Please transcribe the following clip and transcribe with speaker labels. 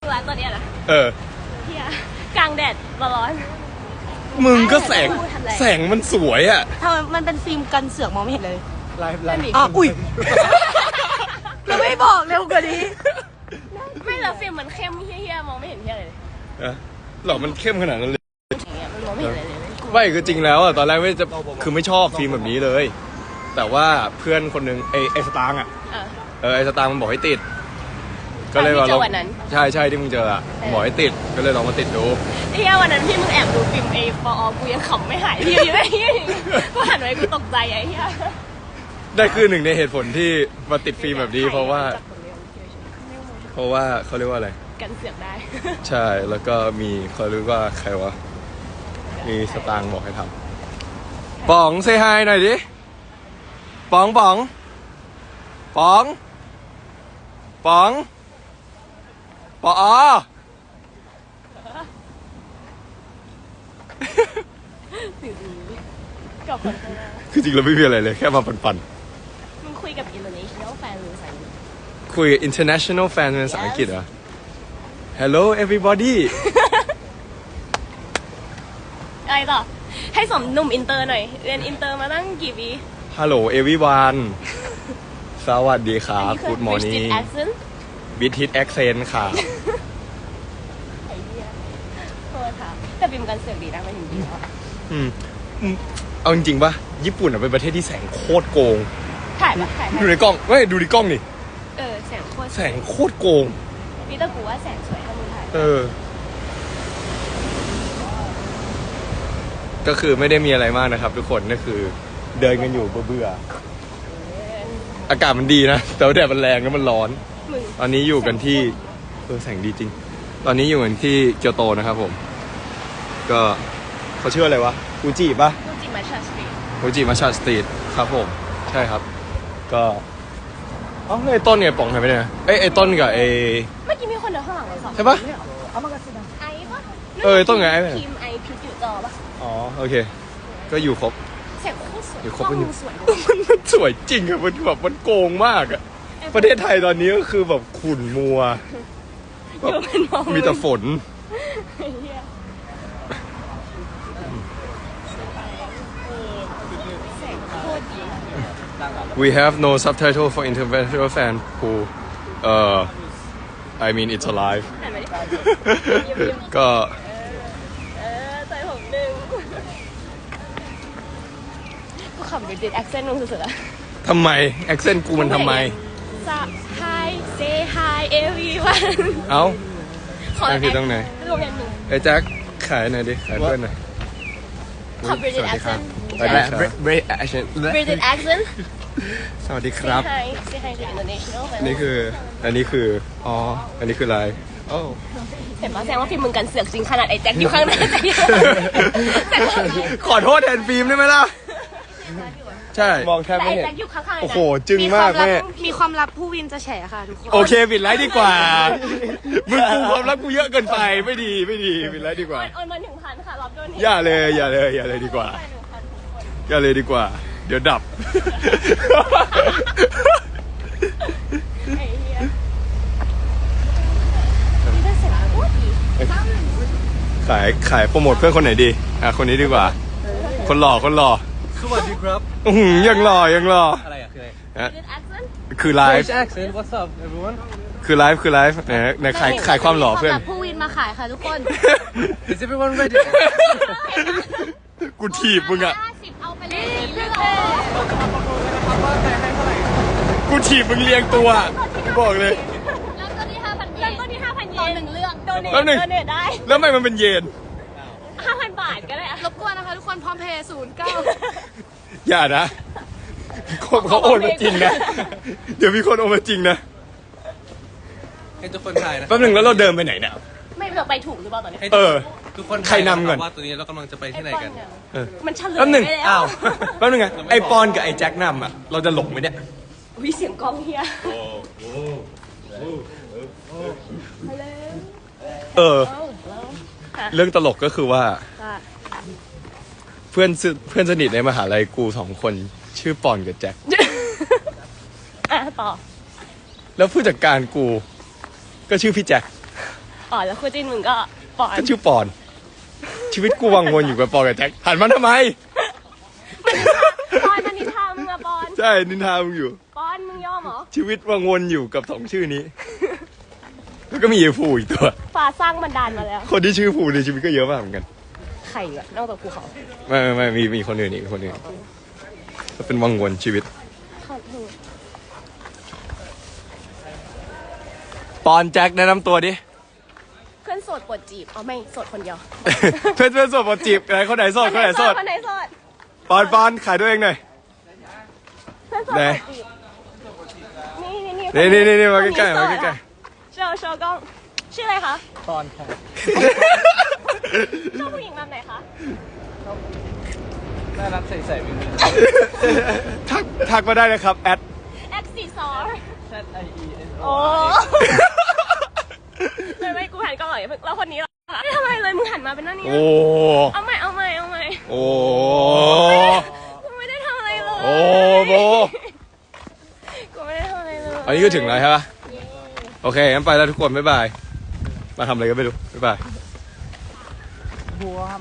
Speaker 1: ตัวตัวเนี้ยนะเฮียกลางแดดร้อน
Speaker 2: มึงก็แสงมันสวยอ่ะ
Speaker 3: ทำไมมันเป็นฟิล์มกันเสือกมองไม่เห็นเลย
Speaker 2: ไลฟ์
Speaker 3: อ๋ออุ้ยเราไม่บอกเร็วกว่านี้
Speaker 1: ไม่แล้วฟิล์มมันเข้มเฮี้ยมองไม่เห็นเฮี้ยเลย
Speaker 2: หรอมันเข้มขนาดนั้นเลย
Speaker 1: มันมองไม่เห็นเลย
Speaker 2: ไม่คือจริงแล้วอ่ะตอนแรกไม่จะคือไม่ชอบฟิล์มแบบนี้เลยแต่ว่าเพื่อนคนนึงไอสตางค์อ่ะไอสตางค์มันบอกให้ติดก็เลยว่าลองใช่ที่มึงเจออ่ะบอกให้ติดก็เลยลองมาติดดู
Speaker 1: เฮี้ยวันนั้นที่มึงแอบดูฟิล์มปอกูยังขำไม่หายที่อยู่ได้กูหันไปกูตกใจไอ้เฮี้ย
Speaker 2: ได้คือหนึ่งในเหตุผลที่มาติดฟิล์มแบบนี้เพราะว่าเขาเรียกว่าอะไร
Speaker 1: กันเสือกได้
Speaker 2: ใช่แล้วก็มีเขาเรียกว่าใครวะมีสตางค์บอกให้ทำป๋องเซฮายหน่อยดิป๋องป๋องป๋องป๋องปอ
Speaker 1: กับคนข้างหน้า
Speaker 2: คือจริงเราไม่มีอะไรเลยแค่มาปั่น
Speaker 1: มึงคุยกับ international fan หรือภาษาอังกฤษ
Speaker 2: คุย international fan เป็นภาษาอังกฤษเหรอ Hello everybody
Speaker 1: อะไรต่อให้สมหนุ่มอินเตอร์หน่อยเรียนอินเตอร์มาตั้งกี่ปี
Speaker 2: Hello everyone สวัสดีครับ Good morning British accent ค่ะ
Speaker 1: ไอ้เหี้ยโทษค่ะแต่ฟิล์มกันเสือกดีนะมันจริงๆแล้ว
Speaker 2: เอาจริงๆป่ะญี่ปุ่นเป็นประเทศที่แสงโคตรโกง
Speaker 1: ถ่าย
Speaker 2: ดูในกล้องเฮ้ยดูในกล้องนี่
Speaker 1: แสงโ
Speaker 2: คตรโกง
Speaker 1: นี่แต่กูว่าแสงสวยถ้ามึงถ่าย
Speaker 2: ก็คือไม่ได้มีอะไรมากนะครับทุกคนก็คือเดินกันอยู่เบื่ออากาศมันดีนะแต่ว่าแดดมันแรงแล้วมันร้อนตอนนี้อยู่กันที่แสงดีจริงตอนนี้อยู่กันที่เกียวโตนะครับผมก็เขาชื่ออะไรวะฟูจิป่ะ
Speaker 1: ฟูจิมัชชาสตรีท
Speaker 2: ครับผมใช่ครับก็ไอ้ต้นไงป๋องหายไปไหนไอ้ต้นกับ
Speaker 1: เมื่อกี้มีคนเดินข้างหลังเลยสอง
Speaker 2: ใช่ปะ
Speaker 1: ไอ้ปะ
Speaker 2: ต้นไง
Speaker 1: ทีมไอพีอยู่จอปะ
Speaker 2: อ๋อโอเคก็อยู่ครบ
Speaker 1: แสงโคตรสวย
Speaker 2: อยู่ครบมันสวยจริงอะมันแบบมันโกงมากอะประเทศไทยตอนนี้ก็คือแบบขุ่นมัวมีแต่ฝนWe have no subtitle for international fan who I mean it's alive ก็
Speaker 1: ใจผมดึงกูขำไปติดแอคเซนต์มึงสุดๆอะ
Speaker 2: ทำไมแอคเซนต์กูมันทำไม
Speaker 1: Hi say hi everyone
Speaker 2: เอ้านั่นคือตรงไหนไอ้แจ็คขายหน่อยดิขายเพื่อนหน่อย
Speaker 1: ขอ British accent
Speaker 2: British
Speaker 1: accent
Speaker 2: สวัสดีครับ
Speaker 1: say hi to international
Speaker 2: อันนี้คืออันนี้คืออะไร
Speaker 1: เห็นปะแสดงว่าฟิล์มมึงกันเสือกจริงขนาดไอ้แจ็คอยู่ข้างหน้า
Speaker 2: ขอโทษแทนฟิล์มได้ไหมล่ะใช่มองแทบไม่เห็นโอ้โหจึงมากแม่
Speaker 3: มีความลับผู้วินจะแฉค่ะทุกคน
Speaker 2: โอเคปิดไลฟ์ดีกว่ามึงกูความลับกูเยอะเกินไปไม่ดีปิดไลฟ์ดีกว่า
Speaker 1: โอนมา 1,000 ค่ะรับด้วย
Speaker 2: อย่าเลยดีกว่าเดี๋ยวดับขายโปรโมทเพื่อนคนไหนดีคนนี้ดีกว่าคนหล่อ
Speaker 4: สวัสดีครับ
Speaker 2: ยังหล่อ
Speaker 4: อะไรอะคืออะไร
Speaker 2: คือไลฟ์
Speaker 4: What's up everyone
Speaker 2: คือไลฟ์ไหนขายความหล่อเพื่อน
Speaker 3: ผู้วินมาขายค่ะทุกคน
Speaker 4: Is everyone ready
Speaker 2: กูถีบมึงอะ
Speaker 1: เอาไปเลยเรื่อง
Speaker 2: กูถีบมึงเรียงตัวบอกเลย
Speaker 1: แล้วก็ที่5,000 เยนต่อ1เรื่องโดเนทได้
Speaker 2: แล้วทำไมมันเป็นเยน
Speaker 1: 5,000 บาทก็ได้
Speaker 3: รบกวนนะคะทุกคนพร้อมเพย์09
Speaker 2: อย่านะเขาโอนมาจริงนะเดี๋ยวมีคนโอนมาจริงนะ
Speaker 4: ให้ทุกคนถ่ายนะ
Speaker 2: แป๊บนึงแล้วเราเดินไปไหนเนี่ย
Speaker 1: ไม่เราไปถูกหรือเปล่าตอนนี้
Speaker 4: ทุกคน
Speaker 2: ใครนำก่อน
Speaker 4: ว่าตัวนี้เรากำลังจะไปที่ไหนกัน
Speaker 1: มันเฉลย
Speaker 2: แป๊บนึงแป๊บนึงไงไอปอนกับไอแจ็คนำอ่ะเราจะหลงไหมเนี่ย
Speaker 1: วิเสียงกองเฮีย
Speaker 2: เรื่องตลกก็คือว่าเพื่อนสนิทในมหาลัยกู2 คนชื่อปอนกับแจ็ค
Speaker 1: ต่อ
Speaker 2: แล้วผู้จัดการกูก็ชื่อพี่แจ็ค
Speaker 1: อ๋อแล้วคู่จิ้นมึงก็ปอน
Speaker 2: ก็ชื่อปอน ชีวิตกูวังวนอยู่กับปอนกับแจ็คหันมาทำไม
Speaker 1: ปอนมันนินทามึงอะปอน
Speaker 2: ใช่นินทามึงอยู่
Speaker 1: ปอนมึงยอมเหรอ
Speaker 2: ชีวิตวังวนอยู่กับสองชื่อนี้ แล้วก็มีไอ้ฟูอีกตัว
Speaker 1: ฟ้าสร้างบันดาลมาแล้ว
Speaker 2: คนที่ชื่อฟูในชีวิตก็เยอะมากเหมือนกัน
Speaker 1: ใครอะนอกจากภูเขา
Speaker 2: ไม่มีคนอื่นอีกคนอื่นก็เป็นวังวนชีวิต
Speaker 1: ขอโทษ
Speaker 2: ปอนแจ็คแนะนำตัวดิ
Speaker 1: เพื่อนโสดปวดจีบอ๋อไม่โสดคนเดียว
Speaker 2: เพื่อนโสดปอจีบไหนคนไหนโสดคนไหนโสด
Speaker 1: คนไหนโสด
Speaker 2: ปอนขายตัวเองหน่อย
Speaker 1: เพื่อนโสด
Speaker 2: ไหน
Speaker 1: ปวดจีบนี่
Speaker 2: นี่มาใกล้ๆ
Speaker 1: คน
Speaker 2: มา
Speaker 1: นี้โสด
Speaker 2: ใกล้
Speaker 1: อะโชว์กล้องชื่ออะไรคะ
Speaker 4: ตอนค่ะ
Speaker 1: ชอบผู้หญิงแบบไหนคะ
Speaker 4: น่ารักใส่ๆมีมือ
Speaker 2: ๆทักมาได้นะครับแอด
Speaker 1: แอคซีซอร์
Speaker 4: ZIEN
Speaker 1: โอ้ไม่กูหันกล้องหน่อยแล้วคนนี้ล่ะไม่ทำอะไรเลยมึงหันมาเป็นหน้านี้
Speaker 2: โอ้
Speaker 1: เอาใหม่
Speaker 2: โอ้
Speaker 1: กูไม่ได้ทำอะไรเลย
Speaker 2: โอ้โบ
Speaker 1: กูไม่ได้ทำอะไรเลย
Speaker 2: อันนี้ก็ถึงแล้วใช่ปะโอเคงั้นไปแล้วทุกคนบ๊ายบายมาทำอะไรก็ไม่รู้บ๊ายบาย